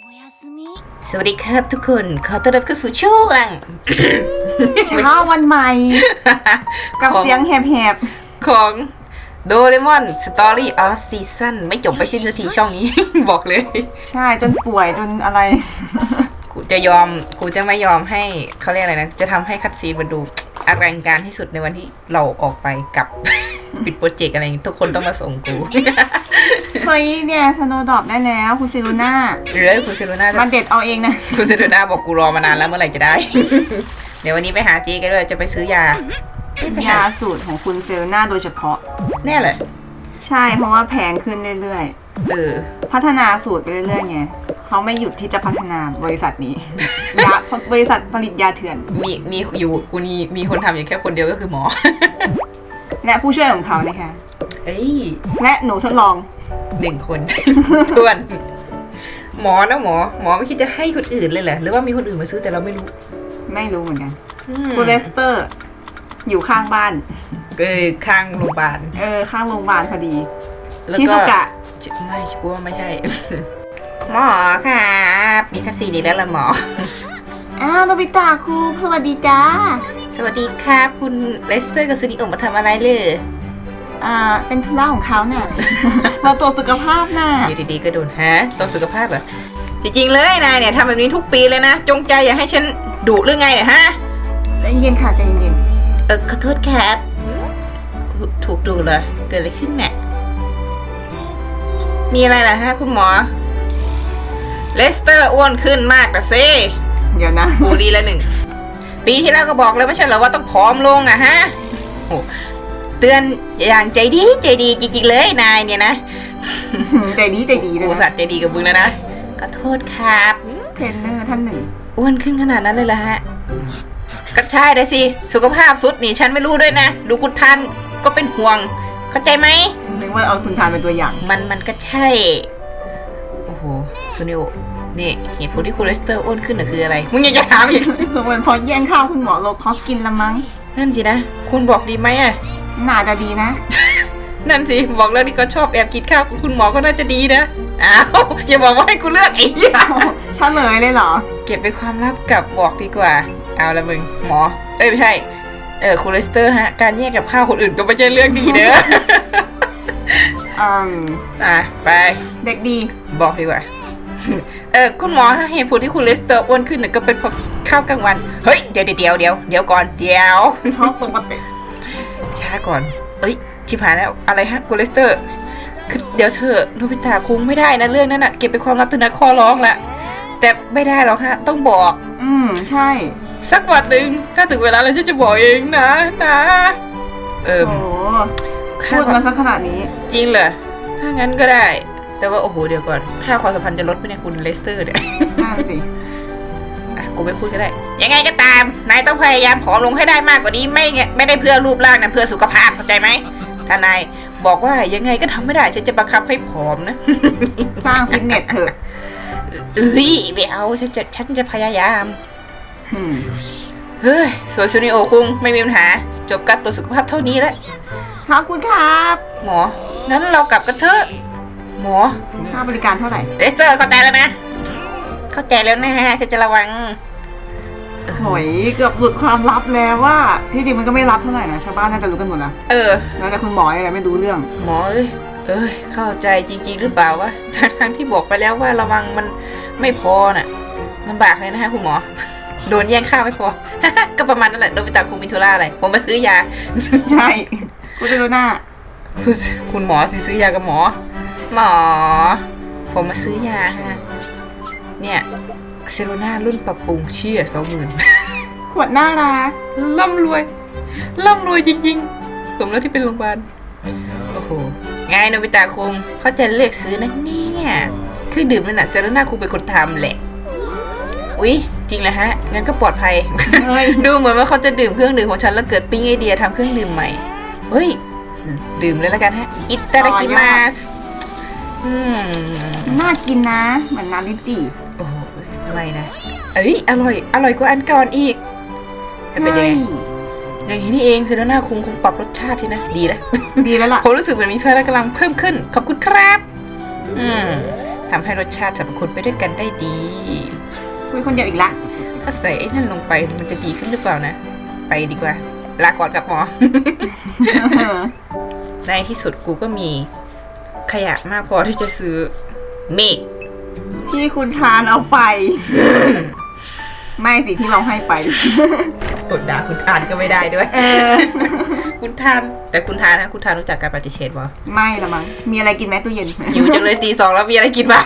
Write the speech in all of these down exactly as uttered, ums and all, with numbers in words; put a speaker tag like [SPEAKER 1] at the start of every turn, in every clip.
[SPEAKER 1] สวัสดีครับทุกคนขอต้อนรับเข้าสู่ช่วง
[SPEAKER 2] เช้าวันใหม่ กับเสียงแหบ
[SPEAKER 1] ของโดเรมอนสตอรี่ออฟซีซั่นไม่จบไปสิ้นสักทีช่องนี้ บอกเลย
[SPEAKER 2] ๆใช่จนป่วยจนอะไร
[SPEAKER 1] กูจะยอมกูจะไม่ยอมให้เขาเรียกอะไรนะ จะทำให้คัดซีนมันดูอลังการที่สุดในวันที่เราออกไปกับ ปิดโปรเจกต์อะไรอย่างงี้ทุกคนต้องมาส่งกู
[SPEAKER 2] เฮ้ยเนี่ยสโนว์ดรอปได้แล้วคุณซิลูน่า
[SPEAKER 1] หรือคุณเซโรนา
[SPEAKER 2] มันเด็ดเอาเองนะ
[SPEAKER 1] คุณเซโรนาบอกกูรอมานานแล้วเมื่อไหร่จะได้ เดี๋ยววันนี้ไปหาจีกันด้วยจะไปซื้อยาเอ้ยไปห
[SPEAKER 2] ยาสูตรของคุณเซลูน่าโดยเฉพาะ
[SPEAKER 1] แน่เลย
[SPEAKER 2] ใช่เพราะว่าแพงขึ้นเรื่อย
[SPEAKER 1] เออ
[SPEAKER 2] ๆ พัฒนาสูตรไปเรื่อยๆไงเขาไม่หยุดที่จะพัฒนาบริษัทนี้ ยาบริษัทผลิตยาเถื่อน
[SPEAKER 1] มีมีอยู่กูมีมีคนทำอย่างแค่คนเดียวก็คือหมอ
[SPEAKER 2] และผู้ช่วยของเขานะคะ
[SPEAKER 1] เอ้ย
[SPEAKER 2] และหนูทดลอง
[SPEAKER 1] หนึ่งคน ทวน หมอนะหมอ หมอไม่คิดจะให้คนอื่นเลยเหรอหรือว่ามีคนอื่นมาซื้อแต่เราไม่รู้
[SPEAKER 2] ไม่รู้เหมือนกัน
[SPEAKER 1] อืม
[SPEAKER 2] คุณเลสเตอร์ อยู่ข้างบ้าน
[SPEAKER 1] เออข้างโรงพยาบาล
[SPEAKER 2] เออข้างโรงพยาบาลพอดี
[SPEAKER 1] แล้ว
[SPEAKER 2] ชิ
[SPEAKER 1] ก็
[SPEAKER 2] ซุกะ
[SPEAKER 1] ไม่ชัวร์ไม่ใช่ หมอครับมีคัสซีดีแล้วล่ะหมอ
[SPEAKER 2] อ้าวโนบิตะครูสวัสดีจ้า
[SPEAKER 1] สวัสดีครับ คุณเลสเตอร์กับซูนิโอมาทำอะไรเลย
[SPEAKER 2] อ่า เป็นธุระของเขาเนี่ย เราตรวจสุขภาพน่ะ
[SPEAKER 1] อยู่ดีๆก็โดนฮะตัวสุขภาพเหรอจริงๆเลยนายเนี่ยทำแบบนี้ทุกปีเลยนะ จงใจอยากให้ฉันดุหรือไงเนี่ยฮะ
[SPEAKER 2] ใจเย็นค่ะใจเย็น
[SPEAKER 1] เออขอโทษครับถูกดูเหรอเกิดอะไรขึ้นเนี่ยมีอะไรล่ะฮะคุณหมอเลสเตอร์อ้วนขึ้นมากแต่เซ่
[SPEAKER 2] เดี๋ยวนะ
[SPEAKER 1] บูดีละหนึ่งปีที่แล้วก็บอกแล้วไม่ใช่เหรอว่าต้องผอมลงอะฮะโอ้เตือนอย่างใจดีใจดีจริงๆเลยนายเนี่ยนะ
[SPEAKER 2] ใจดีใจดีเลย
[SPEAKER 1] กู
[SPEAKER 2] นะ
[SPEAKER 1] สัตว์ใจดีกับมึงแล้วนะขอโทษครับ
[SPEAKER 2] เทรนเนอร์ท่านหนึ่ง
[SPEAKER 1] อ้วนขึ้นขนาดนั้นเลยล่ะฮะก็ใช่เลยสิสุขภาพสุดนี่ฉันไม่รู้ด้วยนะดูกุทานก็เป็นห่วงเข้าใจไหม
[SPEAKER 2] นึกว่าเอาคุณทานเป็นตัวอย่าง
[SPEAKER 1] มันมันก็ใช่ โอ้โหซูนิโอนี่เหตุผลที่คุณเลสเตอร์อ้วนขึ้นน่ะคืออะไร มึงยังจะถามอีก
[SPEAKER 2] มันเพราะแย่งข้าวคุณหมอโลคอสกินละมั้ง
[SPEAKER 1] นั่นสินะ คุณบอกดีไหมอ่ะ
[SPEAKER 2] น่าจะดีนะ
[SPEAKER 1] นั่นสิ บอกแล้วนี่ก็ชอบแอบกินข้าวคุณหมอก็น่าจะดีนะ อ้าว อย่าบอกว่าให้กูเลือกไอ้เหี้ย
[SPEAKER 2] เฉลยเลยเหรอ
[SPEAKER 1] เก็บเป็นความลับกับบอกดีกว่า เอาละมึง หมอ เอ้ยไม่ใช่ เออคุณเลสเตอร์ฮะ การแยกกับข้าวคนอื่นก็ไม่ใช่เรื่องดีเด้อ
[SPEAKER 2] อืม
[SPEAKER 1] อ่ะไป
[SPEAKER 2] เด็กดี
[SPEAKER 1] บอกดีกว่า เออคุณหมอฮะเหตุผลที่คุณเลสเตอร์อ้วนขึ้นน่ะก็เป็นเพราะข้าวกลางวัน เฮ้ย เดี๋ยวเดี๋ยวเดี๋ยวเดี๋ยวเดี๋ยวก่อน เดี๋ยว
[SPEAKER 2] ชอบปกติ
[SPEAKER 1] ช้าก่อน เอ้ย ชิบหายแล้ว อะไรฮะคุณเลสเตอร์ คือเดี๋ยวเธอโนบิตะคงไม่ได้นะเรื่องนั้นน่ะ เก็บเป็นความลับเถอะนะข้อร้องละ แต่ไม่ได้หรอกฮะ ต้องบอก
[SPEAKER 2] อืมใช่
[SPEAKER 1] สักวันหนึ่งถ้าถึงเวลาแล้วฉันจะบอกเองนะนะ เออ
[SPEAKER 2] โอ้โหพูดมาสักขนาดนี้
[SPEAKER 1] จริงเหรอ ถ้างั้นก็ได้ แต่ว่าโอ้โหเดี๋ยวก่อน ค่าความสัมพันธ์จะลดไปเนี่ยคุณเลสเตอร์เนี่ย
[SPEAKER 2] นั่นสิ
[SPEAKER 1] อ่ะกูไม่พูดก็ได้ ยังไงก็ตาม นายต้องพยายามผอมลงให้ได้มากกว่านี้ ไม่ไงไม่ได้เพื่อรูปร่างนะเพื่อสุขภาพเข้าใจไหม ถ้านายบอกว่ายังไงก็ทำไม่ได้ ฉันจะบังคับให้ผอมนะ
[SPEAKER 2] สร้างฟิตเนสเถอะ
[SPEAKER 1] เอ้ยไม่เอาฉันจะฉันจะพยายาม
[SPEAKER 2] อืม
[SPEAKER 1] เฮ้ยส่วนซูนิโอคุงไม่มีปัญหา จบการตรวจสุขภาพเท่านี้แล้ว
[SPEAKER 2] ขอบคุณครับ
[SPEAKER 1] หมอ งั้นเรากลับกันเถอะ หมอ
[SPEAKER 2] ค่าบริการเท่าไหร่
[SPEAKER 1] เลสเตอร์เข้าใจแล้วนะ เข้าใจแล้วนะฉันจะระวัง
[SPEAKER 2] โหยเกือบหลุดความลับแล้วว่าที่จริงมันก็ไม่ลับเท่าไหร่นะชาวบ้านน่าจะรู้กันหมดแล้ว
[SPEAKER 1] เออ
[SPEAKER 2] แล้วแต่คุณหมออะไรไม่รู้เรื่อง
[SPEAKER 1] หมอเอ้ย เอ้ย เข้าใจจริงๆหรือเปล่าวะทั้งที่บอกไปแล้วว่าระวังมันไม่พอน่ะลำบากเลยนะฮะคุณหมอ โดนแย่งข้าวไม่พอ ก็ประมาณนั้นแหละโดนไปตามคุมิทุล่าอะไร ผมมาซื้อยา
[SPEAKER 2] ใช่คุณจะรู้หน้า
[SPEAKER 1] คุณคุณหมอสิซื้อยากับหมอ หมอ ผมมาซื้อยาฮะ เนี่ยเซโรนารุ่นปรับปรุงเชี่ยสองหมื่น
[SPEAKER 2] ขวดน่ารัก
[SPEAKER 1] ร่ำรวย ร่ำรวยจริงๆ ผมแล้วที่เป็นโรงพยาบาล โอ้โหไงโนบิตะคงเขาจะเลือกซื้อนะเนี่ยเครื่องดื่มนั่นน่ะเซโรนาคงเป็นคนทำแหละ อุ๊ย จริงเหรอฮะ งั้นก็ปลอดภัย
[SPEAKER 2] เฮ้ย
[SPEAKER 1] ดูเหมือนว่าเขาจะดื่มเครื่องดื่มของฉันแล้วเกิดปิ๊งไอเดียทำเครื่องดื่มใหม่ เฮ้ย ดื่มเลยแล้วกันฮะ อิตาดากิมาสอืม
[SPEAKER 2] น่ากินนะ เหมือนน้ำลิ้นจี่
[SPEAKER 1] โอ้โหไม่นะ เอ้ย อร่อย อร่อยกว่าอันก่อนอีกเป็นยังไง อย่างนี้นี่เองเซโรนาคงคงปรับรสชาติที่นะ ดีแล้ว
[SPEAKER 2] ดีแล้วล่ะ
[SPEAKER 1] ผมรู้สึกเหมือนมีพลังกำลังเพิ่มขึ้น ขอบคุณครับ อืมทำให้รสชาติสรรพคุณไปด้วยกันได้ดี
[SPEAKER 2] คุยคนเดียวอีกละ
[SPEAKER 1] ถ้าใส่ไอ้นั่นลงไปมันจะดีขึ้นหรือเปล่านะ ไปดีกว่า ลาก่อนกับหมอ ในที่สุดกูก็มีขยะมากพอที่จะซื้อเมฆ
[SPEAKER 2] ที่คุณทานเอาไป ไม่สิที่เราให้ไป
[SPEAKER 1] อดด่าคุณทานก็ไม่ได้ด้วย
[SPEAKER 2] เออ
[SPEAKER 1] คุณทาน แต่คุณทานนะคุณทานรู้จักการปฏิเสธปะ
[SPEAKER 2] ไม่ละมั้งมีอะไรกินไหมตู้เย็น
[SPEAKER 1] หิวจังเลยตีสองแล้วมีอะไรกินบ้าง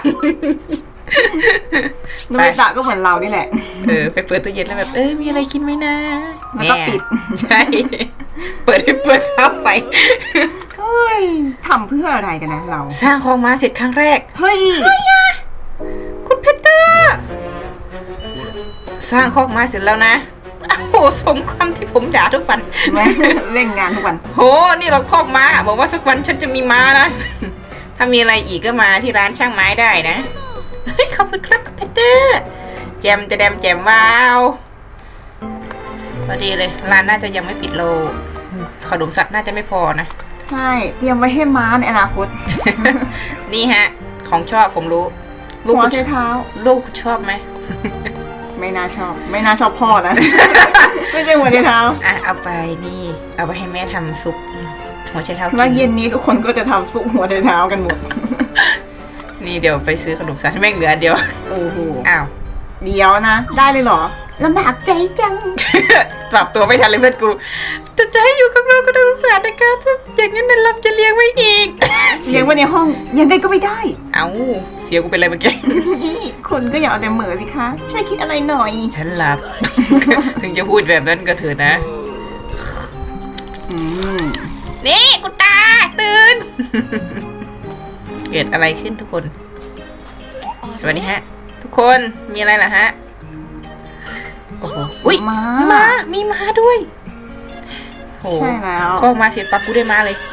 [SPEAKER 2] โนบิตะก็เหมือนเรานี่แหละ
[SPEAKER 1] เออไปเปิดตู้เย็นแล้วแบบเออมีอะไรกินไหมนะ
[SPEAKER 2] แล้วก็ปิด
[SPEAKER 1] ใช่ เปิดให้เปิดเข้าไป
[SPEAKER 2] เฮ้ยทำเพื่ออะไรกันนะเรา
[SPEAKER 1] สร้างของมาเสร็จครั้งแรก
[SPEAKER 2] เฮ้ย
[SPEAKER 1] คุณเพชรเตอร์สร้างคอกมาเสร็จแล้วนะโอ้โหสมคำที่ผมด่าทุกวัน
[SPEAKER 2] แม่เล่นงานทุกวัน
[SPEAKER 1] โหนี่เราคอกม้าบอกว่าสักวันฉันจะมีม้านะ ถ้ามีอะไรอีกก็มาที่ร้านช่างไม้ได้นะเฮ้ยขอบคุณครับคุณเพชรเตอร์แจมจะแดมแจมว้าวพอดีเลยร้านน่าจะยังไม่ปิดโลขนมสัตว์น่าจะไม่พอนะ
[SPEAKER 2] ใช่ เตรียมไว้ให้ม้าในอนาคต
[SPEAKER 1] นี่ฮะ ของชอบผมรู้ ลูก
[SPEAKER 2] หัว
[SPEAKER 1] คุณ
[SPEAKER 2] ใช้เท้า
[SPEAKER 1] ลูกคุณชอบไหม
[SPEAKER 2] ไม่น่าชอบ ไม่น่าชอบพ่อนะ ไม่ใช่หัวใช้เท้า
[SPEAKER 1] อ่ะเอาไปนี่ เอาไปให้แม่ทำซุปหัวไชเท้ากิ
[SPEAKER 2] แล้วเย็
[SPEAKER 1] น
[SPEAKER 2] นนี้ทุกคนก็จะทำซุปหัวใช้เท้ากันหมด
[SPEAKER 1] นี่เดี๋ยวไปซื้อขนมสัตว์ให้แม่งเหลืออันเดียว
[SPEAKER 2] โอ้โห
[SPEAKER 1] อ้าว
[SPEAKER 2] เดี๋ยวนะ ได้เลยเหรอลำบากใจจัง
[SPEAKER 1] ปรับตัวไม่ทันเลยเพื่อนกูแต่จะให้อยู่กับเราก็ต้องสงสารนะครับถ้าอย่างนั้นเราจะเลี้ยงไว้อีก
[SPEAKER 2] เลี้ยงไว้ในห้องยังไงก็ไม่ได้
[SPEAKER 1] เอ้าเสียกูเป็นอะไรเมื่อกี้
[SPEAKER 2] คนก็อย่าเอาแต่เหม่อสิคะ ช่วยคิดอะไรหน่อย
[SPEAKER 1] ฉันหลับ ถึงจะพูดแบบนั้นก็เถอะนะ
[SPEAKER 2] อืม
[SPEAKER 1] นี่กูตาตื่น เกิดอะไรขึ้นทุกคน สวัสดีฮะ ทุกคนมีอะไรล่ะฮะ โอ้โหอุ้ย
[SPEAKER 2] ม้า
[SPEAKER 1] ม้ามีม้าด้วยโอ้
[SPEAKER 2] ใช่แล้ว
[SPEAKER 1] ข้อมาเสร็จปักกูได้ม้าเลย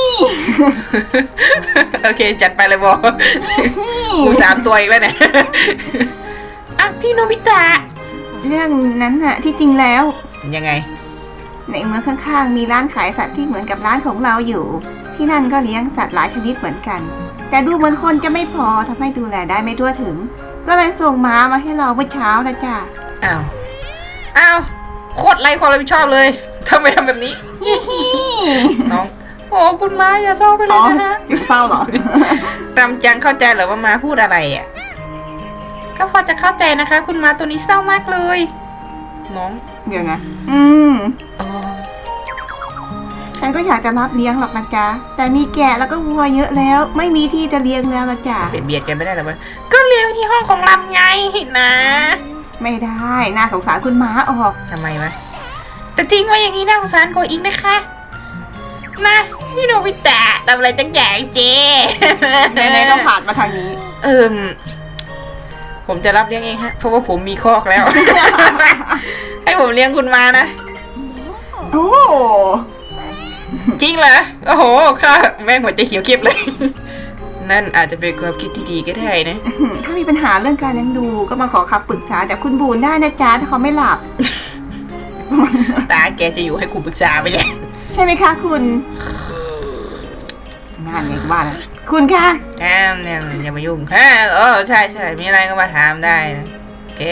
[SPEAKER 1] โอเค จัดไปเลยบอกกูสามตัวอีกแล้วเนี่ย อ่ะพี่โนบิตะ
[SPEAKER 2] เรื่องนั้นน่ะที่จริงแล้ว
[SPEAKER 1] ยังไง
[SPEAKER 2] ในเมืองข้างๆ มีร้านขายสัตว์ที่เหมือนกับร้านของเราอยู่ ที่นั่นก็เลี้ยงสัตว์หลายชนิดเหมือนกัน แต่ดูเหมือนคนจะไม่พอทำให้ดูแลได้ไม่ทั่วถึง ก็เลยส่งม้ามาให้เราเมื่อเช้านะจ๊ะ
[SPEAKER 1] อ้าว อ้าว โคตรไร้ความรับผิดชอบเลยทำไมทำแบบนี้ น้อง โอ้คุณม้าอย่าเศร้าไปเล
[SPEAKER 2] อ๋
[SPEAKER 1] ย
[SPEAKER 2] อ
[SPEAKER 1] นะคะ
[SPEAKER 2] เสียงเศร้าเหรอ
[SPEAKER 1] รำจังเข้าใจเหรอว่าม้าพูดอะไรอ่ะ ก็พอจะเข้าใจนะคะ คุณม้าตัวนี้เศร้ามากเลย น้อง
[SPEAKER 2] เดี๋ยวนะ อืม
[SPEAKER 1] อ๋อ
[SPEAKER 2] ฉันก็อยากจะรับเลี้ยงหรอกนะจ๊ะ แต่มีแกะแล้วก็วัวเยอะแล้ว ไม่มีที่จะเลี้ยงแล้วนะจ๊ะ
[SPEAKER 1] เบียดเบียดกันไม่ได้หรอวะก็เลี้ยงที่ห้องของลำไงนะ
[SPEAKER 2] ไม่ได้ น่าสงสารคุณม้าออก
[SPEAKER 1] ทำไมวะ แต่ทิ้งไว้อย่างนี้น่าสงสารกว่าอีกนะคะ มาพี่โนบิตะทำอะไรตั้งใหญ่เจ
[SPEAKER 2] ไหนๆก็ผ่านมาทางนี้
[SPEAKER 1] เอิมผมจะรับเลี้ยงเองฮะ เพราะว่าผมมีคอกแล้ว ให้ผมเลี้ยงคุณมานะ
[SPEAKER 2] โอ้
[SPEAKER 1] จริงเหรอ โอ้โหข้าแม่งหัวใจเขียวเก็บเลย นั่นอาจจะเป็นความคิดที่ดีก็ได้นะ
[SPEAKER 2] ถ้ามีปัญหาเรื่องการเลี้ยงดูก็มาขอคำปรึกษาจากคุณบูนได้นะจ๊ะถ้าเขาไม่หลับ
[SPEAKER 1] ตาแกจะอยู่ให้กูปรึกษาไปเนี่ย
[SPEAKER 2] ใช่ไหมคะคุณงานไงก็ว่านะคุณคะ
[SPEAKER 1] แอมเนี่ยอย่ามายุ่งฮะเออใช่ใช่มีอะไรก็มาถามได้นะโอเค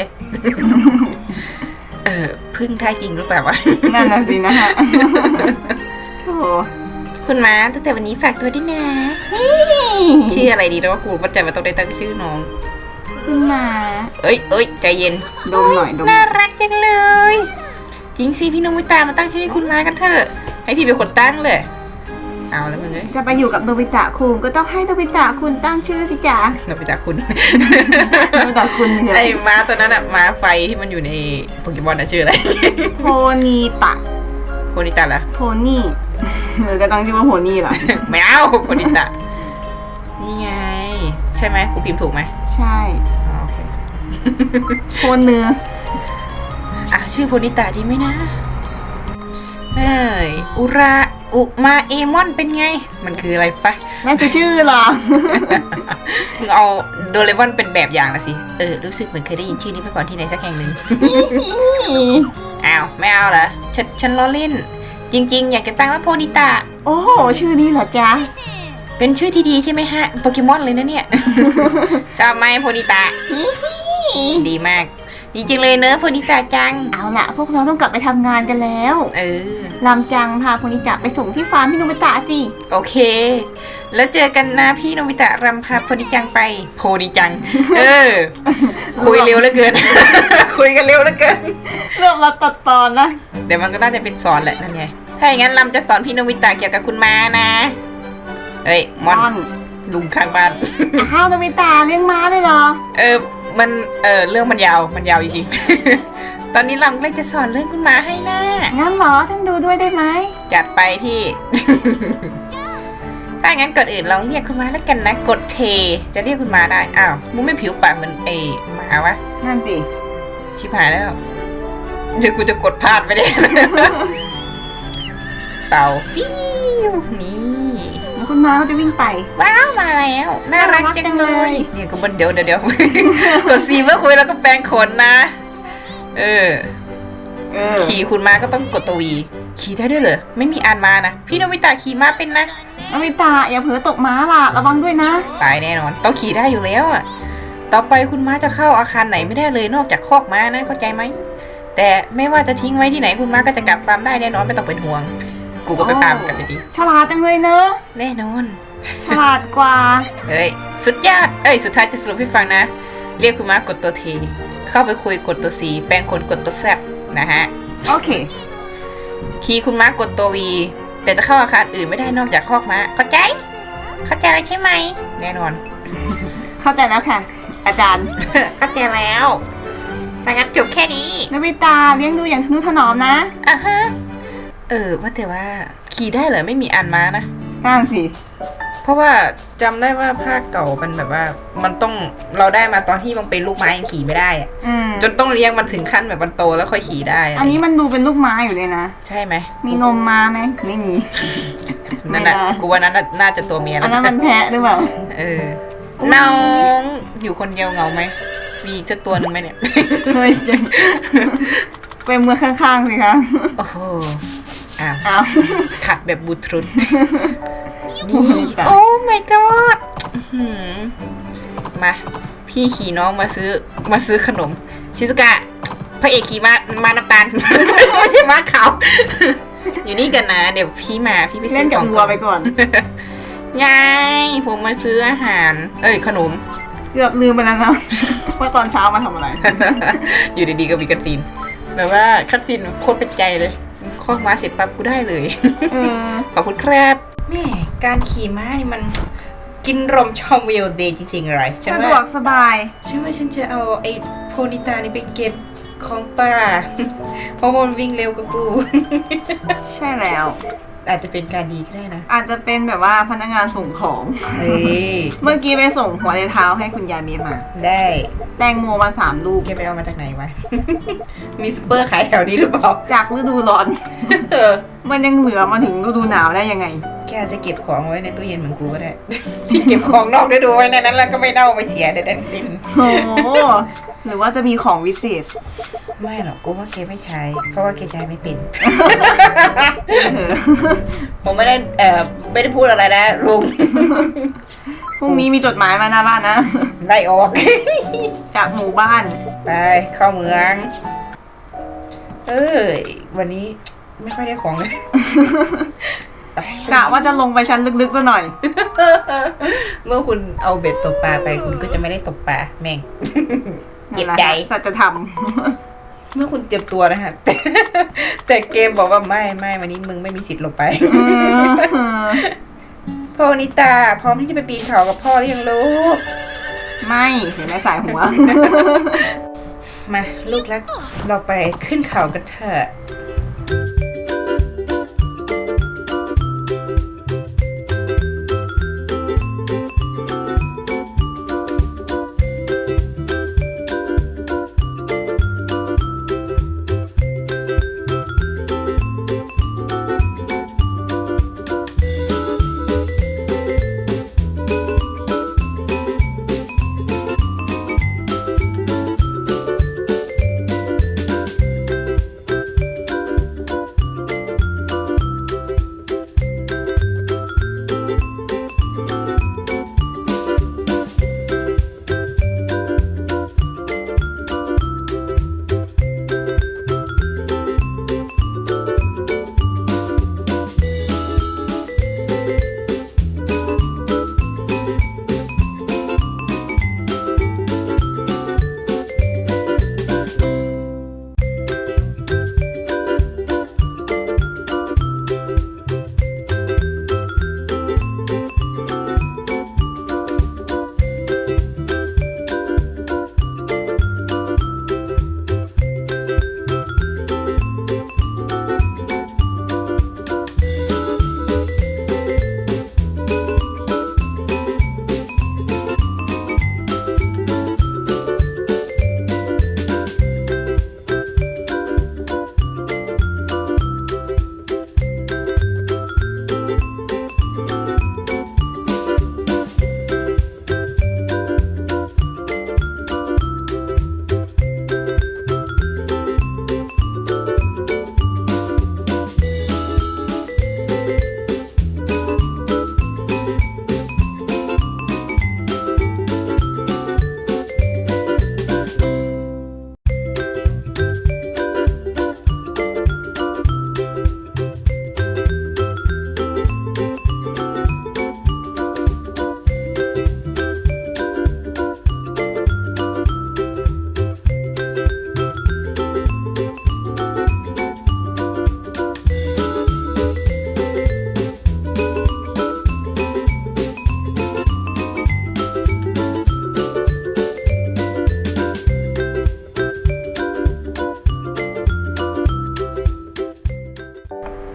[SPEAKER 1] เออพึ่งได้จริงหรือเปล่าวะ
[SPEAKER 2] นั่นน่ะสินะฮะโอ้
[SPEAKER 1] คุณม้าตั้งแต่วันนี้ฝากตัวด้วยนะชื่ออะไรดีนะว่ากูมั่นใจว่าต้องได้ตั้งชื่อน้อง
[SPEAKER 2] คุณหมา
[SPEAKER 1] เอ้ยเอ้ยใจเย็น
[SPEAKER 2] ดมหน่อยดมห
[SPEAKER 1] น่า
[SPEAKER 2] น่อย
[SPEAKER 1] รักจังเลย จริงสิพี่นมิตามาตั้งชื่อให้คุณม้ากันเถอะให้พี่เป็นคนตั้งเลยเอาแล้วมึงเอ้ย
[SPEAKER 2] จะไปอยู่กับโนบิตะคุณก็ต้องให้โนบิตะคุณตั้งชื่อสิจ๊ะ
[SPEAKER 1] นมิตาคุณ
[SPEAKER 2] โนบิตะคุณเนี่ย
[SPEAKER 1] ไอ้ม้าตัวนั้นอะม้าไฟที่มันอยู่ในโปเกมอนนะชื่ออะไร
[SPEAKER 2] โพนีตะ
[SPEAKER 1] โคนิตะเหรอ
[SPEAKER 2] โพนี่หรือก็ตั้งชื่อว่าโพนี่เหรอ
[SPEAKER 1] ไม่เอาโคนิตะนี่ไง ใช่ไหมกูพิมพ์ถูกไหม
[SPEAKER 2] ใช่
[SPEAKER 1] อ๋อโอเค
[SPEAKER 2] โพนเนื้อ
[SPEAKER 1] อ่ะชื่อโพนิตะดีไหมนะเอ้ยอุราอุมาเอมอนเป็นไง มันคืออะไรฟะ
[SPEAKER 2] น่าจะชื่อเหรอ
[SPEAKER 1] มึงเอาโดเรมอนเป็นแบบอย่างละสิ เออ รู้สึกเหมือนเคยได้ยินชื่อนี้มาก่อนที่ไหนสักแห่งหนึ่ง อ้าว ไม่เอาเหรอ ฉันฉันล้อเล่น จริง ๆ อยากจะตั้งว่าโพนิตะ
[SPEAKER 2] โอ้โหชื่อนี้เหรอจ๊ะ
[SPEAKER 1] ไปเป็นชื่อที่ดีใช่ไหมฮะโปเกมอนเลยนะเนี่ย ชอบไหมโพนิตะ ดีมากดีจริงเลยเนอะโพนิตะจัง
[SPEAKER 2] เอาละพวกเราต้องกลับไปทำงานกันแล้ว
[SPEAKER 1] เออ
[SPEAKER 2] ลำจังพาโพนิตะไปส่งที่ฟาร์มพี่โนบิตะสิ
[SPEAKER 1] โอเค แล้วเจอกันนะพี่โนบิตะรำพาโพนิจังไปโพนิจัง เออ คุยเร็วเหลือเกิน คุยกันเร็วเหลือเกิน
[SPEAKER 2] เริ่มเราตัดตอนนะ
[SPEAKER 1] เดี๋ยวมันก็น่าจะเป็นสอนแหละนั่นไงถ้าอย่างนั้นลำจะสอนพี่โนบิตะเกี่ยวกับคุณม้านะเฮ้ยมอน
[SPEAKER 2] ม่อน
[SPEAKER 1] ลุงข้างบ้าน
[SPEAKER 2] อ้าวโนบิตะเลี้ยงม้าด้วยเหรอ
[SPEAKER 1] เออ มัน เออ เรื่องมันยาว มันยาวจริงๆ ตอนนี้ลำเลยจะสอนเรื่องคุณม้าให้นะ
[SPEAKER 2] งั้นเหรอฉันดูด้วยได้ไหม
[SPEAKER 1] จัดไปพี่ ถ้างั้นก่อนอื่นลองเรียกคุณม้าแล้วกันนะ กดเท จะเรียกคุณม้าได้ อ้าวมึงไม่ผิวปากเหมือนไอ้หมาวะ
[SPEAKER 2] นั่นสิ
[SPEAKER 1] ชิบหายแล้ว เดี๋ยวกูจะกดพลาดไปได้ เต่าฟิวนี่
[SPEAKER 2] แล้วคุณม้าเขาจะวิ่งไป
[SPEAKER 1] ว้าวมาแล้ว น่ารัก
[SPEAKER 2] น่ารักจั
[SPEAKER 1] จัง
[SPEAKER 2] ง
[SPEAKER 1] เล
[SPEAKER 2] เลย ย
[SPEAKER 1] เนี่ยก็มันเดี๋ยวเดี๋ยวเดี๋ยว กดซีเมื่อคุยแล้วก็แปลงขนนะ เออ
[SPEAKER 2] เออ
[SPEAKER 1] ขี่คุณมาก็ต้องกดตัววีขี่ได้ด้วยเหรอ ไม่มีอ่านมานะ พี่โนบิตะขี่ม้าเป็นนะ
[SPEAKER 2] โนบิตะอย่าเผลอตกม้าล่ะระวังด้วยนะ
[SPEAKER 1] ตายแน่นอน ต้องขี่ได้อยู่แล้วอ่ะ ต่อไปคุณม้าจะเข้าอาคารไหนไม่ได้เลยนอกจากคอกม้านะ เข้าใจไหม แต่ไม่ว่าจะทิ้งไว้ที่ไหนคุณม้าก็จะกลับฟาร์มได้แน่นอนไม่ต้องเป็นห่วง กูก็ไปตามกันไปดิ
[SPEAKER 2] ฉลาดจังเลยเนอะ
[SPEAKER 1] แน่นอน
[SPEAKER 2] ฉลาดกว่า
[SPEAKER 1] เฮ้ย สุดยอด เอ้ย สุดท้ายจะสรุปให้ฟังนะ เรียกคุณม้ากดตัวทีเข้าไปคุยกดตัวสีแปลงคนกดตัวแซบนะฮะ
[SPEAKER 2] โอเค
[SPEAKER 1] ขี่คุณม้ากดตัววีแต่จะเข้าอาคารอื่นไม่ได้นอกจากคอกม้า เข้าใจ เข้าใจแล้วใช่ไหม แน่นอน
[SPEAKER 2] เข้าใจแล้วค่ะ อาจารย์
[SPEAKER 1] เข้าใจแล้วถ้างั้นจบแค่นี้
[SPEAKER 2] โนบิตะเลี้ยงดูอย่างทนุถนอมนะ
[SPEAKER 1] อ่ะฮะ เออ ว่าแต่ว่าขี่ได้เหรอไม่มีอ่านม้านะ
[SPEAKER 2] นั่นสิ
[SPEAKER 1] เพราะว่าจำได้ว่าภาคเก่ามันแบบว่า มันต้องเราได้มาตอนที่มันเป็นลูกไม้ยังขี่ไม่ได้อะ
[SPEAKER 2] อืม
[SPEAKER 1] จนต้องเลี้ยงมันถึงขั้นแบบมันโตแล้วค่อยขี่ได้ะ
[SPEAKER 2] อันนี้มันดูเป็นลูกม้าอยู่เลยนะ
[SPEAKER 1] ใช่ไหม
[SPEAKER 2] มีนมมาไหม ไม่มี
[SPEAKER 1] นั่นน่ะ
[SPEAKER 2] ไม่ได้
[SPEAKER 1] กูว่านั้นน่ะน่าจะตัวเมีย
[SPEAKER 2] อั
[SPEAKER 1] แล้
[SPEAKER 2] น
[SPEAKER 1] ว
[SPEAKER 2] นั้นมันแพะหรือเปล่า
[SPEAKER 1] เออน้องอยู่คนเดียวเหงาไหมมีอีกสักตัวหนึ่งไหมเนี่ย
[SPEAKER 2] เฮ้ยไปเมืองข้างๆสิคะ
[SPEAKER 1] โอ้โหอ้าว
[SPEAKER 2] อ้าว
[SPEAKER 1] ขัดแบบบูทรุด
[SPEAKER 2] โอ้
[SPEAKER 1] นี่
[SPEAKER 2] ยตาย
[SPEAKER 1] โอ้ my god อื้อหือมา พี่ขี่น้องมาซื้อมาซื้อขนม ชิซุกะพระเอกขี่มามาน้ำตาล ไม่ใช่ม้าขาว อยู่นี่กันนะ เดี๋ยวพี่มาพี่ไปซื้
[SPEAKER 2] เล่
[SPEAKER 1] อน ข
[SPEAKER 2] กับ
[SPEAKER 1] อง
[SPEAKER 2] วัวไปก่อน
[SPEAKER 1] ยายผมมาซื้ออาหาร เอ้ยขนม
[SPEAKER 2] เกือบลืมไปแล้วนะ ว่าตอนเช้ามาทำอะไร
[SPEAKER 1] อยู่ดีๆก็มีคัตซีนแบบว่าคัตซีนโคตรเป็นใจเลยคอกม้าเสร็จปั๊บกูได้เลย
[SPEAKER 2] เออ
[SPEAKER 1] ขอบคุณครับแม่การขี่ม้านี่มันกินรมชอมวิวเดย์จริงๆเลยฉัน
[SPEAKER 2] สะดว
[SPEAKER 1] ว่าก
[SPEAKER 2] สบาย
[SPEAKER 1] ฉันว่าฉันจะเอาไอ้โพนิตานี่ไปเก็บของป่า เพราะมันวิ่งเร็วกว่ากู
[SPEAKER 2] ใช่แล้ว
[SPEAKER 1] อาจจะเป็นการดีก็ได้นะ
[SPEAKER 2] อาจจะเป็นแบบว่าพนักงานส่งของ
[SPEAKER 1] เฮ้ย
[SPEAKER 2] เมื่อกี้ไปส่งหัวในเท้าให้คุณยายเมียมา
[SPEAKER 1] ได้
[SPEAKER 2] แตงโมมาสามลูก
[SPEAKER 1] แกไปเอามาจากไหนวะ มีซูเปอร์ขายแถวนี้หรือเปล่า
[SPEAKER 2] จากฤดูร้อน
[SPEAKER 1] เออ
[SPEAKER 2] มันยังเหลือมาถึงฤดูหนาวได้ยังไง
[SPEAKER 1] แกอาจจะเก็บของไว้ในตู้เย็นเหมือนกูก็ได้ ที่เก็บของนอกฤดูไว้ในนั้นแล้วก็ไม่เน่าไม่เสียใดๆทั้งสิ้น
[SPEAKER 2] โอ้โหหรือว่าจะมีของวิเศษ
[SPEAKER 1] ไม่หรอกกูว่าแกไม่ใช้ เพราะว่าแกใช้ไม่เป็น
[SPEAKER 2] เออ
[SPEAKER 1] ผมไม่ได้เอ่อไม่ได้พูดอะไรนะลุง
[SPEAKER 2] พรุ่งนี้มีจดหมายมาหน้าบ้านนะ
[SPEAKER 1] ไล่ออก
[SPEAKER 2] จากหมู่บ้าน
[SPEAKER 1] ไปเข้าเมือง เอ้ยวันนี้ไม่ค่อยได้ของเลย ไป
[SPEAKER 2] กะว่าจะลงไปชั้นลึกๆซะหน่อย
[SPEAKER 1] เมื่อคุณเอาเบ็ดตกปลาไปคุณก็จะไม่ได้ตกปลาแม่ง เจ็บใจ
[SPEAKER 2] สัจธรรม
[SPEAKER 1] เมื่อคุณเตรียมตัวนะฮะ แต่แต่เกมบอกว่าไม่ไม่วันนี้มึงไม่มีสิทธิ์ลงไป พ่อนิตาพร้อมที่จะไปปีนเขากับพ่อหรือยังลูก
[SPEAKER 2] ไม่เสียแม่สายหัว
[SPEAKER 1] มาลูกรักเราไปขึ้นเขากันเถอะ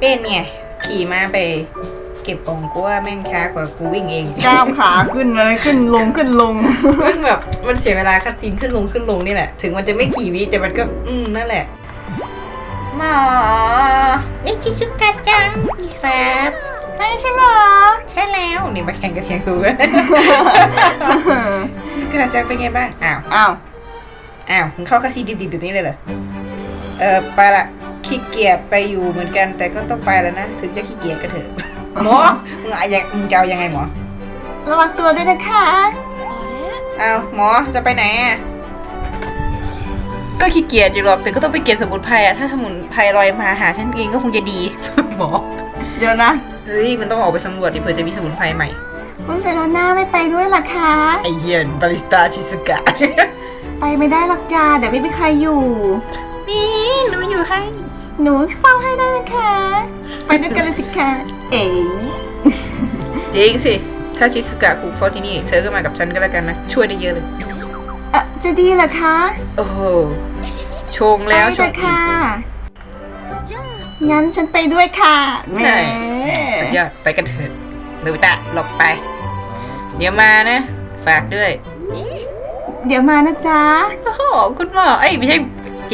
[SPEAKER 1] เป็นเนี่ยขี่ม้าไปเก็บของกูว่าแม่งช้ากว่ากูวิ่งเอง
[SPEAKER 2] ก้าวขาขึ้นเลยขึ้นลงขึ้นลง
[SPEAKER 1] มันแบบมันเสียเวลาคัดซีนขึ้นลงขึ้นลงนี่แหละถึงมันจะไม่กี่วิแต่มันก็อืมนั่นแหละหมอเอ็กชิชุกะจังนี่ครับใช่ใช่หรอใช่แล้วนี่มาแข่งกันเสียงตูเลยชิชุกะจังเป็นไงบ้างอ้าว
[SPEAKER 2] อ้าว
[SPEAKER 1] อ้าวมึงเข้าคาซีดิบๆแบบนี้เลยเหรอเออไปละขี้เกียจไปอยู่เหมือนกันแต่ก็ต้องไปแล้วนะถึงจะขี้เกียจก็เถอะหมอมึงอะยังมึงจะเอายังไงหมอ
[SPEAKER 2] ระวังตัวด้วยนะคะ
[SPEAKER 1] อ้าวหมอจะไปไหนอ่ะก็ขี้เกียจอยู่หรอกแต่ก็ต้องไปเก็บสมุนไพรอ่ะถ้าสมุนไพรลอยมาหาฉันเองก็คงจะดี หมอ
[SPEAKER 2] เดี๋ยวนะ
[SPEAKER 1] เฮ้ยมันต้องออกไปสำรวจดิเผื่อจะมีสมุนไพรใหม่
[SPEAKER 2] คุณเซโรน่าไม่ไปด้วยหรอคะ
[SPEAKER 1] ไอเฮียนบาริสต้าชิซุกะ
[SPEAKER 2] ไปไม่ได้หรอกจ้าเดี๋ยวไม่มีใครอยู่
[SPEAKER 1] นี่หนูอยู่ให้
[SPEAKER 2] หนูเฝ้าให้ได้นะคะ ไปด้วยกันเลยสิคะเอ๋
[SPEAKER 1] จริงสิถ้าชิซุกะคุกเฝ้าที่นี่เธอก็มากับฉันก็แล้วกันนะช่วยได้เยอะเลย
[SPEAKER 2] เออจะดีเหรอคะ
[SPEAKER 1] โอ้โหชงแล้ว
[SPEAKER 2] ไป
[SPEAKER 1] ช
[SPEAKER 2] เล
[SPEAKER 1] ง
[SPEAKER 2] ย
[SPEAKER 1] อีก
[SPEAKER 2] ค่ะ งั้นฉันไปด้วยค่ะแหม
[SPEAKER 1] ได้สุดยอดไปกันเถอะโนบิตะหลบไป เดี๋ยวมานะ ฝากด้วย
[SPEAKER 2] เดี๋ยวมานะจ๊ะ
[SPEAKER 1] โอ้โหคุณหมอเอ้ยไม่ใช่เจ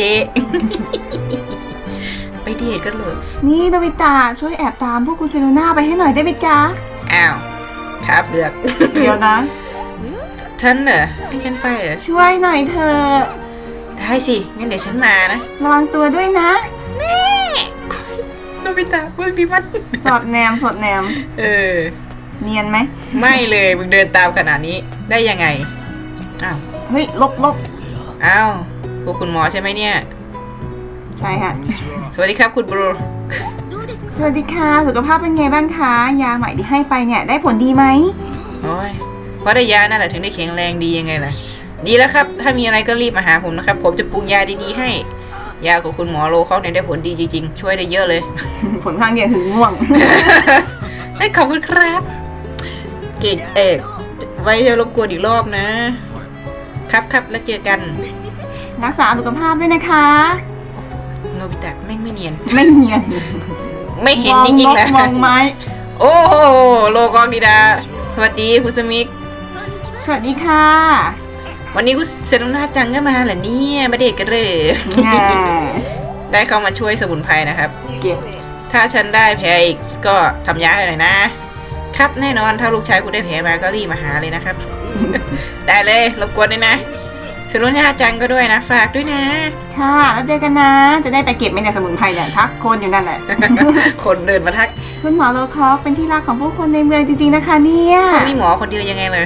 [SPEAKER 1] ไปเดทกันเลย
[SPEAKER 2] นี่โนบิตะช่วยแอบตามพวกคุณเซโรน่าไปให้หน่อยได้ไหมจ๊ะ
[SPEAKER 1] อ้าวครับเลือก
[SPEAKER 2] เดี๋ยวนะ
[SPEAKER 1] ฉันเหรอให้ฉันไปเหรอ
[SPEAKER 2] ช่วยหน่อยเถอะ
[SPEAKER 1] ได้สิงั้นเดี๋ยวฉันมานะ
[SPEAKER 2] ระวังตัวด้วยนะ
[SPEAKER 1] โนบิตะไม่มีมัน
[SPEAKER 2] สอดแนมสอดแนม
[SPEAKER 1] เออ
[SPEAKER 2] เนียนไหม
[SPEAKER 1] ไม่เลยมึงเดินตามขนาดนี้ได้ยังไงอ้าว
[SPEAKER 2] เฮ้ยลบลบ
[SPEAKER 1] อ้าวพวกคุณหมอใช่ไหมเนี่ย
[SPEAKER 2] ใช่ค่ะ
[SPEAKER 1] สวัสดีครับคุณบรู
[SPEAKER 2] สวัสดีค่ะ สุขภาพเป็นไงบ้างคะ ยาใหม่ที่ให้ไปเนี่ยได้ผลดีไหม
[SPEAKER 1] โอ้ยเพราะได้ยานั่นแหละถึงได้แข็งแรงดียังไงล่ะ ดีแล้วครับ ถ้ามีอะไรก็รีบมาหาผมนะครับ ผมจะปรุงยาดีๆให้ ยาของคุณหมอโลเขาเนี่ยได้ผลดีจริงๆ ช่วยได้เยอะเลย
[SPEAKER 2] ผลข้างเคียงคือง่วง
[SPEAKER 1] เอ้ยขอบคุณครับ เกตเอกไว้จะรบกวนอีกรอบนะ ครับครับแล้วเจอกัน
[SPEAKER 2] รักษาสุขภาพด้วยนะคะ
[SPEAKER 1] โนบิตะแม่งไม่เนียน
[SPEAKER 2] ไม่เนียน
[SPEAKER 1] ไม่เห็น
[SPEAKER 2] มอง
[SPEAKER 1] จริงๆ
[SPEAKER 2] น
[SPEAKER 1] แหละ
[SPEAKER 2] กมองไม้
[SPEAKER 1] โอ้โหโลกองดีดา สวัสดีคุณสมิก
[SPEAKER 2] สวัสดีค่ะ
[SPEAKER 1] วันนี้คุณเซนนาจังก็มาเหรอเนี่ยมาเดทกันเลย
[SPEAKER 2] แง่
[SPEAKER 1] ได้เข้ามาช่วยสมุนไพรนะครับ
[SPEAKER 2] เก็บ
[SPEAKER 1] ถ้าฉันได้แผลอีกก็ทำยาให้หน่อยนะ ครับแน่นอนถ้าลูกชายคุณได้แผลมาก็รีบมาหาเลยนะครับ ได้เลยรบกวนด้วยนะสนุนยาจังก็ด้วยนะ ฝากด้วยนะ
[SPEAKER 2] ค่ะ แล้วเจอกันนะ จะได้ไปเก็บไหมเนี่ยสมุนไพรเนี่ยทักคนอยู่นั่นแหละ
[SPEAKER 1] คนเดินมาทัก
[SPEAKER 2] คุณหมอโลคอกเป็นที่รักของผู้คนในเมืองจริงๆนะคะเนี่ย
[SPEAKER 1] คนนี้หมอคนเดียวยังไงเลย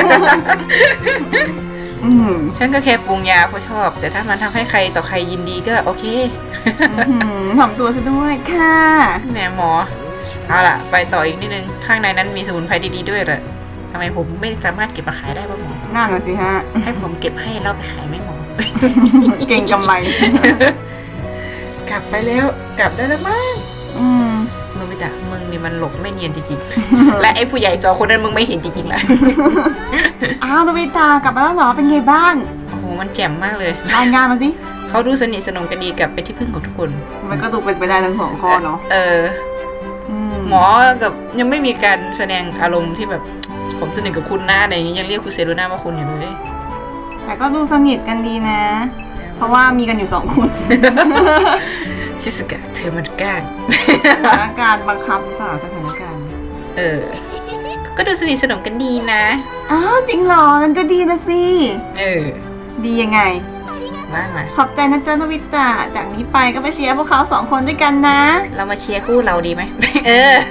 [SPEAKER 2] อืม
[SPEAKER 1] ฉันก็แค่ปรุงยาเพราะชอบ แต่ถ้ามันทำให้ใครต่อใครยินดีก็โอเค
[SPEAKER 2] อื้อหือถ่อมตัวซะด้วยค่ะ
[SPEAKER 1] แหมหมอ เอาล่ะ ไปต่ออีกนิดนึง ข้างในนั้นมีสมุนไพรดีๆด้วยเหรอทำไมผมไม่สามารถเก็บมาขายได้บ้างหมอ
[SPEAKER 2] นั่นน่ะสิฮะ
[SPEAKER 1] ให้ผมเก็บให้แล้วไปขายไหมหมอ
[SPEAKER 2] เก่งกำไร
[SPEAKER 1] กลับไปแล้ว กลับได้แล้วมั้ง
[SPEAKER 2] อืม
[SPEAKER 1] โนบิตะมึงนี่มันหลบไม่เนียนจริงๆ และไอ้ผู้ใหญ่สองคนนั้นมึงไม่เห็นจริงๆแหละ
[SPEAKER 2] อ้าวโนบิตากลับมาแล้วเหรอเป็นไงบ้าง
[SPEAKER 1] โอ้โห มันแจ่มมากเลย
[SPEAKER 2] รายงานมาสิ
[SPEAKER 1] เขาดูสนิทสนมกันดีกับเป็นที่พึ่งของทุกคน
[SPEAKER 2] มันก็ดูเป็นไปได้ทั้งสองข้อเนาะ
[SPEAKER 1] เออ
[SPEAKER 2] อืม
[SPEAKER 1] หมอกับยังไม่มีการแสดงอารมณ์ที่แบบผมสนิทกับคุณนะอะไรอย่างงี้ยังเรียกคุณเซโรน่าว่าคุณอยู่เลย
[SPEAKER 2] แต่ก็ดูสนิทกันดีนะ เพราะว่ามีกันอยู่สองคน
[SPEAKER 1] ชิสกะเธอมันกล้าง
[SPEAKER 2] สถานการณ์บังคับหรือเปล่าสถานการณ์
[SPEAKER 1] เออ ก็ดูสนิทสนมกันดีนะ
[SPEAKER 2] อ้าวจริงเหรอกันก็ดีนะสิ
[SPEAKER 1] เออ
[SPEAKER 2] ดียังไง
[SPEAKER 1] มามา
[SPEAKER 2] ขอบใจนะจ๊ะโนบิตะจากนี้ไปก็ไปเชียร์พวกเขาสองคนด้วยกันนะ
[SPEAKER 1] เรามาเชียร์คู่เราดีไหม เออ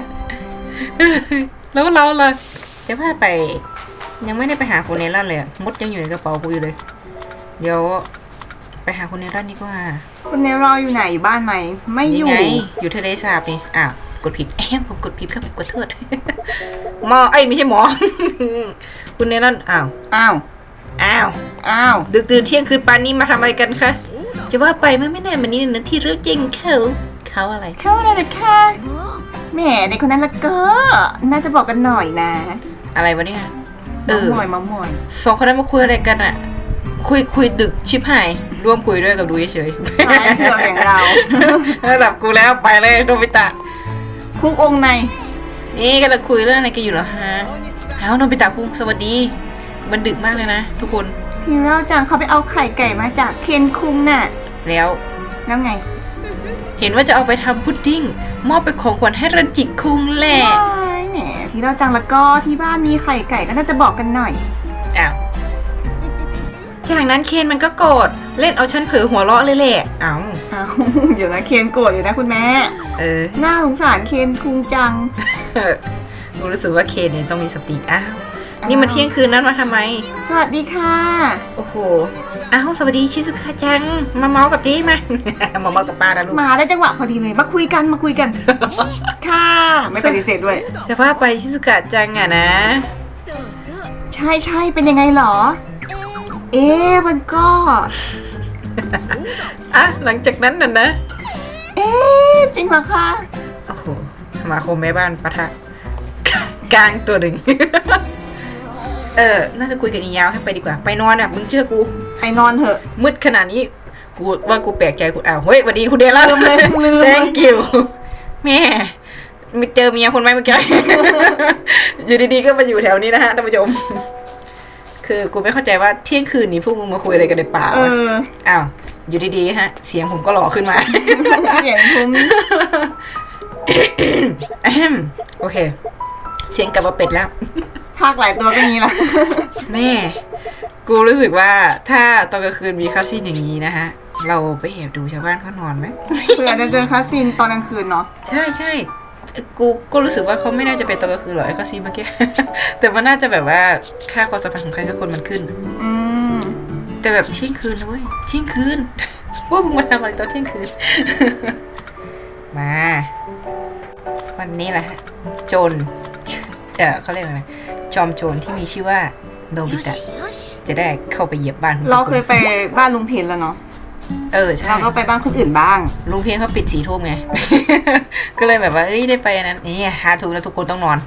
[SPEAKER 1] แล้วเราล่ะจะพาไป ยังไม่ได้ไปหาคุณเนรันเลยอะมดยังอยู่ในกระเป๋ากูอยู่เลย เดี๋ยว ไปหาคุณเนรันดีกว่า
[SPEAKER 2] คุณเนรออยู่ไหนอยู่บ้านไหมไม่อยู่
[SPEAKER 1] นี่ไงอยู่ทะเลสาบนี่อ้าวกดผิดแอมผมกดผิดครับกดโทษ หมอเอ้ยไม่ใช่หมอ คุณเนรันอ้าว
[SPEAKER 2] อ้าว
[SPEAKER 1] อ้าว
[SPEAKER 2] อ้าว
[SPEAKER 1] ดึกดื่นเที่ยงคืนปานนี้มาทำอะไรกันคะจะว่าไปเมื่อไม่นานมานี้นะที่เรื่องจริงเขาเขาอะไร
[SPEAKER 2] เข้าเลยนะคะแหมเด็กคนนั้นละก็ น่าจะบอกกันหน่อยนะ
[SPEAKER 1] อะไรวะเนี่ยเอ
[SPEAKER 2] มา
[SPEAKER 1] อ
[SPEAKER 2] หมอยมาหมอย
[SPEAKER 1] สองคนนั้นมาคุยอะไรกันอะคุยคุยดึกชิบหายร่วมคุยด้วยกับดูเฉย
[SPEAKER 2] สายเผือกอย่างเรา
[SPEAKER 1] ๆระดับกูแล้วไปเลยโนบิตะ
[SPEAKER 2] คุกองค์ใน
[SPEAKER 1] นี่กำลังคุยเรื่องอะไรกันอยู่เหรอฮะเอ้าโนบิตะคุงสวัสดี มันดึกมากเลยนะทุกคน
[SPEAKER 2] ทีเราจังเขาไปเอาไข่ไก่มาจากเคนคุงน่ะ
[SPEAKER 1] แล้ว
[SPEAKER 2] แล้วไง
[SPEAKER 1] เห็นว่าจะเอาไปทำพุดดิ้งมอบเป็นของขวัญให้รันจิคุงแหละ
[SPEAKER 2] ว้ายแหมทีเราจังแล้วก็ที่บ้านมีไข่ไก่ก็น่าจะบอกกันหน่อย
[SPEAKER 1] อ้าวจากนั้นเคนมันก็โกรธเล่นเอาฉันเผลอหัวเราะเลยแหละเอ้า
[SPEAKER 2] อ้าว เดี๋ยวนะเคนโกรธอยู่นะคุณแม่
[SPEAKER 1] เออ
[SPEAKER 2] น่าสงสารเคนคุงจัง
[SPEAKER 1] กูรู้สึกว่าเคนเนี่ยต้องมีสติอ้าวนี่มันเที่ยงคืนนั้นมาทำไม
[SPEAKER 2] สวัสดีค่ะ
[SPEAKER 1] โอ้โหอ้าวสวัสดีชิซุกะจังมาเมาส์กับจีมา มาเมาส์กับป้านะลูก
[SPEAKER 2] มาได้จังหวะพอดีเลยมาคุยกันมาคุยกัน ค่ะ ไม่ปฏิเสธด้วย
[SPEAKER 1] จะว่าไปชิซุกะจังอะนะ
[SPEAKER 2] ใช่ใช่เป็นยังไงเหรอ เอ๊ะมันก็
[SPEAKER 1] อ่ะหลังจากนั้นน่ะนะ
[SPEAKER 2] เอ๊ะจริงเหรอคะ
[SPEAKER 1] โอ้โหสมาคมแม่บ้านปะทะ กลางตัวหนึ่ง เออ น่าจะคุยกันอีกยาวให้ไปดีกว่า ไปนอนอ่ะ มึงเชื่อกู
[SPEAKER 2] ไปนอนเถอะ
[SPEAKER 1] มืดขนาดนี้ กูว่ากูแปลกใจกูอ้าว เฮ้ยสวัสดีคุณเดล่า
[SPEAKER 2] ลืมเลยลืมเลย
[SPEAKER 1] thank you แม่มีเจอเมียคนไหมเมื่อกี้ อยู่ดีๆก็มาอยู่แถวนี้นะฮะท่านผู้ชม คือกูไม่เข้าใจว่าเที่ยงคืนนี้พวกมึงมาคุยอะไรกันในป่า
[SPEAKER 2] เอ
[SPEAKER 1] วะ
[SPEAKER 2] อ
[SPEAKER 1] อ้าว อยู่ดีๆฮะ เสียงผมก็หล่อขึ้นมา
[SPEAKER 2] เสียงทุ้ม
[SPEAKER 1] อะแฮมโอเค เสียงกลับมาเป็ดแล้ว
[SPEAKER 2] ภาคหลายตัวก็งี้ละ
[SPEAKER 1] แม่ กูรู้สึกว่าถ้าตอนกลางคืนมีคัสซีนอย่างนี้นะฮะ เราไปแอบดูชาวบ้านเขานอนไหม
[SPEAKER 2] เผื่อจะเจอคาสินตอนกลางคืนเนาะ
[SPEAKER 1] ใช่ใช่กูก็รู้สึกว่าเขาไม่น่าจะเป็นตอนกลางคืนหรอกไอ้คัสซีนเมื่อกี้ แต่มันน่าจะแบบว่าค่าความสัมพันธ์ของใครสักคนมันขึ้น
[SPEAKER 2] อืม
[SPEAKER 1] แต่แบบเที่ยงคืนนะเว้ยเที่ยงคืน พวกมึงมาทำอะไรตอนเที่ยงคืน มา วันนี้แหละฮะโจรเออเขาเรียกอะไรนะจอมโจรที่มีชื่อว่าโนบิตะจะได้เข้าไปเหยียบบ้านของ
[SPEAKER 2] เราเคยไปบ้านลุงเทนแล้วเนาะ
[SPEAKER 1] เออใช่
[SPEAKER 2] เราก็ไปบ้านคนอื่นบ้าง
[SPEAKER 1] ลุงเพียงเขาปิดสี่ทุ่มไง ก็เลยแบบว่าเอ้ยได้ไปอันนั้นนี่หาถูกแล้วทุกคนต้องนอน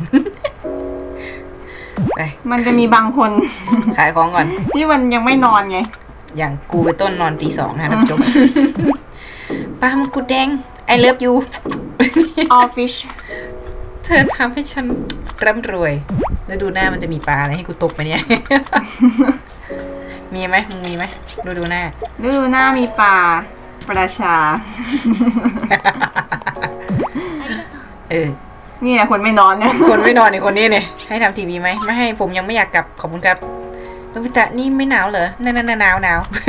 [SPEAKER 1] ไป
[SPEAKER 2] มันจะมีบางคน
[SPEAKER 1] ขายของก่อน
[SPEAKER 2] ที่มันยังไม่นอนไง
[SPEAKER 1] อย่างกูไปต้นนอนตีสองนะท่านผู้ชม ปลามังกรแดง I love you
[SPEAKER 2] ออฟฟิศ
[SPEAKER 1] เธอทำให้ฉันร่ำรวย แล้วดูหน้ามันจะมีปลาอะไรให้กูตกไปเนี่ย มีไหมมึงมีไหมดูดูหน้า
[SPEAKER 2] ดูหน้ามีป่าประชา
[SPEAKER 1] เออ
[SPEAKER 2] นี่แหละคนไม่นอนเนี่ย
[SPEAKER 1] คนไม่นอนในคนนี้เนี่ยให้ทำทีวีไหมไม่ให้ผมยังไม่อยากกลับขอบคุณครับโนบิตะนี่ไม่หนาวเหรอนั่นๆหนาวหนาว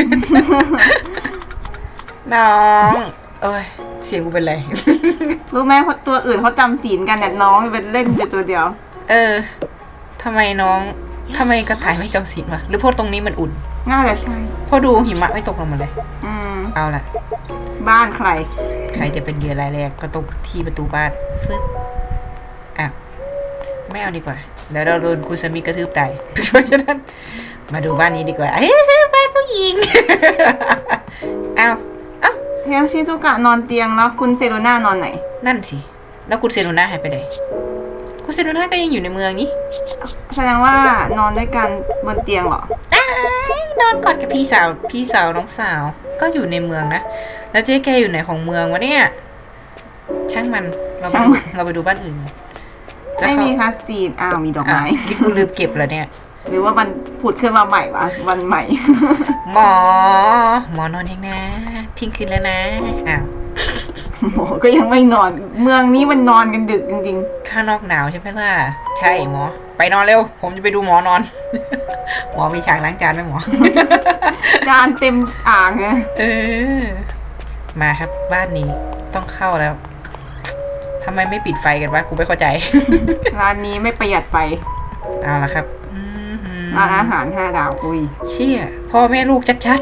[SPEAKER 1] น้องโอ้ยเสียงกูเป็นไร
[SPEAKER 2] รู้ไหมตัวอื่นเขาจำศีลกันเนี่ยน้องเป็นเล่นอยู่ตัวเดียว
[SPEAKER 1] เออทำไมน้องทำไมกระต่ายไม่จำศีลวะหรือเพราะตรงนี้มันอุ่น
[SPEAKER 2] น่าจะใช่
[SPEAKER 1] เพราะดูหิมะไม่ตกลงมาเลย
[SPEAKER 2] อืม
[SPEAKER 1] เอาล่ะ
[SPEAKER 2] บ้านใคร
[SPEAKER 1] ใครจะเป็นเหยื่อรายแรกก็ตกที่ประตูบ้านฟึ๊บอ่ะไม่เอาดีกว่าเดี๋ยวเราโดนคุซามิกระทืบตาย เพราะฉะนั้นมาดูบ้านนี้ดีกว่าเฮ้ยบ้านผู้หญิง เอาเอา
[SPEAKER 2] เฮลชิซุกะนอนเตียงแล้วคุณเซโรน่านอนไหน
[SPEAKER 1] นั่นสิแล้วคุณเซโนนาหายไปไหนคุณเซโนนาก็ยังอยู่ในเมืองนี้
[SPEAKER 2] แสดงว่านอนด้วยกันบนเตียงเหรอ
[SPEAKER 1] อ้ายนอนกอดกับพี่สาวพี่สาวน้องสาวก็อยู่ในเมืองนะแล้วเจ๊แกอยู่ไหนของเมืองวะเนี่ยช่างมันเราไป
[SPEAKER 2] ช่าง
[SPEAKER 1] ดู
[SPEAKER 2] มัน
[SPEAKER 1] เราไปดูบ้านอื่นจะ
[SPEAKER 2] ไม่
[SPEAKER 1] เข้า
[SPEAKER 2] มีคาซีน อ้าวมีดอก
[SPEAKER 1] อ่ะ
[SPEAKER 2] ไม้
[SPEAKER 1] นี่กูลืมเก็บแล้วเนี่ย
[SPEAKER 2] หรือว่ามันผุดขึ้นมาใหม่วะวันใหม่
[SPEAKER 1] หมอ หมอนอนยังนะทิ้งคืนแล้วนะอ้าว
[SPEAKER 2] หมอก็ยังไม่นอน เมืองนี้มันนอนกันดึกจริง
[SPEAKER 1] ข้างนอกหนาวใช่ไหมล่ะใช่หมอ ไปนอนเร็ว ผมจะไปดูหมอนอน หมอมีฉากล้างจานไหมหมอ
[SPEAKER 2] ๆ จานเต็มอ่างไง
[SPEAKER 1] เออ มาครับบ้านนี้ต้องเข้าแล้วทำไมไม่ปิดไฟกันวะกูไม่เข้าใจ
[SPEAKER 2] ร้านนี้ไม่ประหยัดไฟ
[SPEAKER 1] เอาละครับอืมหืม
[SPEAKER 2] ร้านอาหารห้าดาวอุ้ย
[SPEAKER 1] เชี่ยพ่อแม่ลูกชัด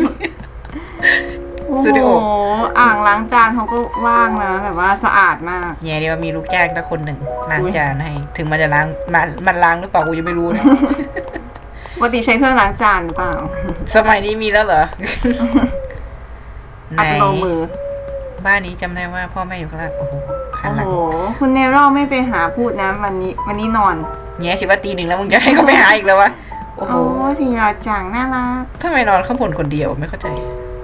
[SPEAKER 2] โอ้
[SPEAKER 1] สตูดิ
[SPEAKER 2] โห
[SPEAKER 1] โอ
[SPEAKER 2] อ่างล้างจานเขาก็ว่างนะแบบว่าสะอาดมาก
[SPEAKER 1] ๆแย่ดีว่ามีลูกจ้างแต่คนหนึ่งล้างจานให้ ถึงมันจะล้างมันมันล้างหรือเปล่ากูยังไม่รู้นะ
[SPEAKER 2] ปกติใช้เครื่องล้างจานหรือเปล่า
[SPEAKER 1] สมัยนี้มีแล้วเหรอ ไหน
[SPEAKER 2] อัตโนมือ
[SPEAKER 1] บ้านนี้จำได้ว่าพ่อแม่อยู่ข้างล่างโอ้โหหัน
[SPEAKER 2] โอ้
[SPEAKER 1] หลัง
[SPEAKER 2] โห คุณเนโรไม่ไปหาพูดนะ วันนี้วันนี้นอน
[SPEAKER 1] แง่สิว่าตีหนึ่งแล้วมึงจะให้เขาไปหาอีกแล้ววะโอ้โห
[SPEAKER 2] โอ้สีราจังน่ารัก
[SPEAKER 1] ทำไมนอนข้างบนคนเดียวไม่เข้าใจ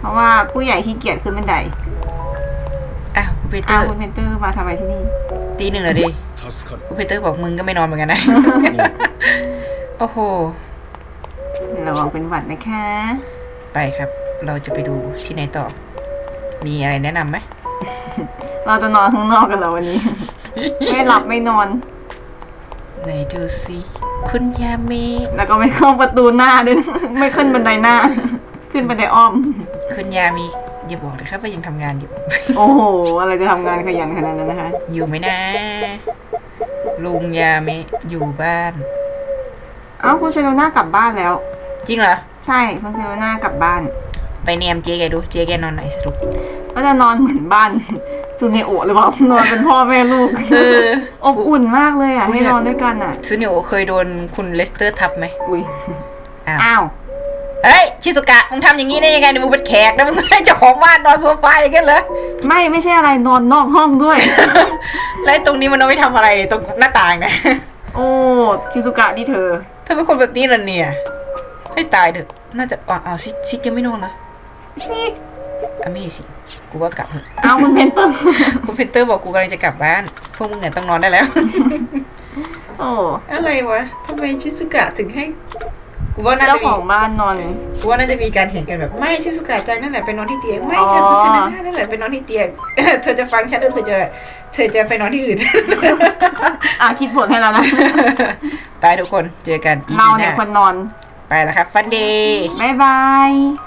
[SPEAKER 2] ราะว่าผู้ใหญ่ขี้เกียจขึ้นบันได
[SPEAKER 1] อ้าวคุณปีเตอ
[SPEAKER 2] อ้าว
[SPEAKER 1] ร์
[SPEAKER 2] คุณเพนเตอร์มาทำไมที่นี่
[SPEAKER 1] ตีหนึ่งแล้วดิคุณปีเตอร์บอกมึงก็ไม่นอนเหมือนกันนะ โอ้โห
[SPEAKER 2] ระวังเป็นหวัดนะคะ
[SPEAKER 1] ไปครับ เราจะไปดูที่ไหนต่อ มีอะไรแนะนำไหม
[SPEAKER 2] เราจะนอนข้างนอกกันแล้ววันนี้ ไม่หลับไม่นอน
[SPEAKER 1] ไหนดูสิคุณยาเมะ
[SPEAKER 2] แล้วก็ไม่เข้าประตูหน้าด้วยนะ ไม่ขึ้นบันไดหน้า ขึ้นบันไดอ้อม
[SPEAKER 1] คุณยามิอย่าบอกนะครับว่ายังทำงานอยู่
[SPEAKER 2] โอ้โห อะไรจะทำงานขยันขนาดนั้นนะคะ
[SPEAKER 1] อยู่ไหมนะ ลุงยาเมะอยู่บ้าน
[SPEAKER 2] เอ้าคุณเซโรน่ากลับบ้านแล้ว
[SPEAKER 1] จริงเหรอ
[SPEAKER 2] ใช่คุณเซโรน่ากลับบ้าน
[SPEAKER 1] ไปเนียมเจ๊แกดู เจ๊แกนอนไหนสรุป
[SPEAKER 2] ก็จะนอนเหมือนบ้านซูเนโอะหรือเปล่านอนเป็นพ่อแม่ลูก
[SPEAKER 1] เออ
[SPEAKER 2] อบอุ่นมากเลยอ่ะให้นอนด้วยกันอ่ะ
[SPEAKER 1] ซูนิโอเคยโดนคุณเลสเตอร์ทับไหม
[SPEAKER 2] อุ้ย
[SPEAKER 1] อ้าว
[SPEAKER 2] อ้าว
[SPEAKER 1] เฮ้ย ชิสุกะ มึงทำอย่างนี้ได้ยังไงเนี่ยมึงเป็นแขกนะมึงไม่ให้เจ้าของบ้านนอนโซฟาอย่างนั้นเหรอ
[SPEAKER 2] ไม่ไม่ใช่อะไรนอนนอกห้องด้วย
[SPEAKER 1] แล้วไอ้ตรงนี้มันเอาไว้ทำอะไรตรงหน้าต่างนะ
[SPEAKER 2] โอ้ชิซุกะนี่เธอ
[SPEAKER 1] เธอเป็นคนแบบนี้เหรอเนี่ย ให้ตายเถอะ น่าจะอ๋อเอาซิซิกยังไม่นอนนะ
[SPEAKER 2] สิ
[SPEAKER 1] อ่ะไม่สิ กูว่ากลับเถอะ
[SPEAKER 2] เอาคุณเพนเตอร์
[SPEAKER 1] คุณเพนเตอร์บอกกูกำลังจะกลับบ้าน พวกมึงเนี่ยต้องนอนได้แล้ว
[SPEAKER 2] โอ้
[SPEAKER 1] อะไรวะทำไมชิซุกะถึงให้ กูว่าน่า
[SPEAKER 2] เจ้า
[SPEAKER 1] จะ
[SPEAKER 2] ข
[SPEAKER 1] มี
[SPEAKER 2] องบ้านนอน
[SPEAKER 1] กูว่าน่าจะมีการเห็นกันแบบ ไม่ชิซุกะจังนั่นแหละไปนอนที่เตียง ไม่
[SPEAKER 2] อ๋อ
[SPEAKER 1] ค่ะคุณเซนาน่านั่นแหละไปนอนที่เตียง เธอจะฟังฉันหรือเธอจะเธอจะไปนอนที่อื่น
[SPEAKER 2] อ่ะคิดบทให้แล้วนะ
[SPEAKER 1] ไปทุกคนเจอกันอี
[SPEAKER 2] เรา
[SPEAKER 1] พีห
[SPEAKER 2] เนี่ย
[SPEAKER 1] น้า
[SPEAKER 2] คนนอน
[SPEAKER 1] ไปแล้วครับฟันเดย์
[SPEAKER 2] บ๊ายบาย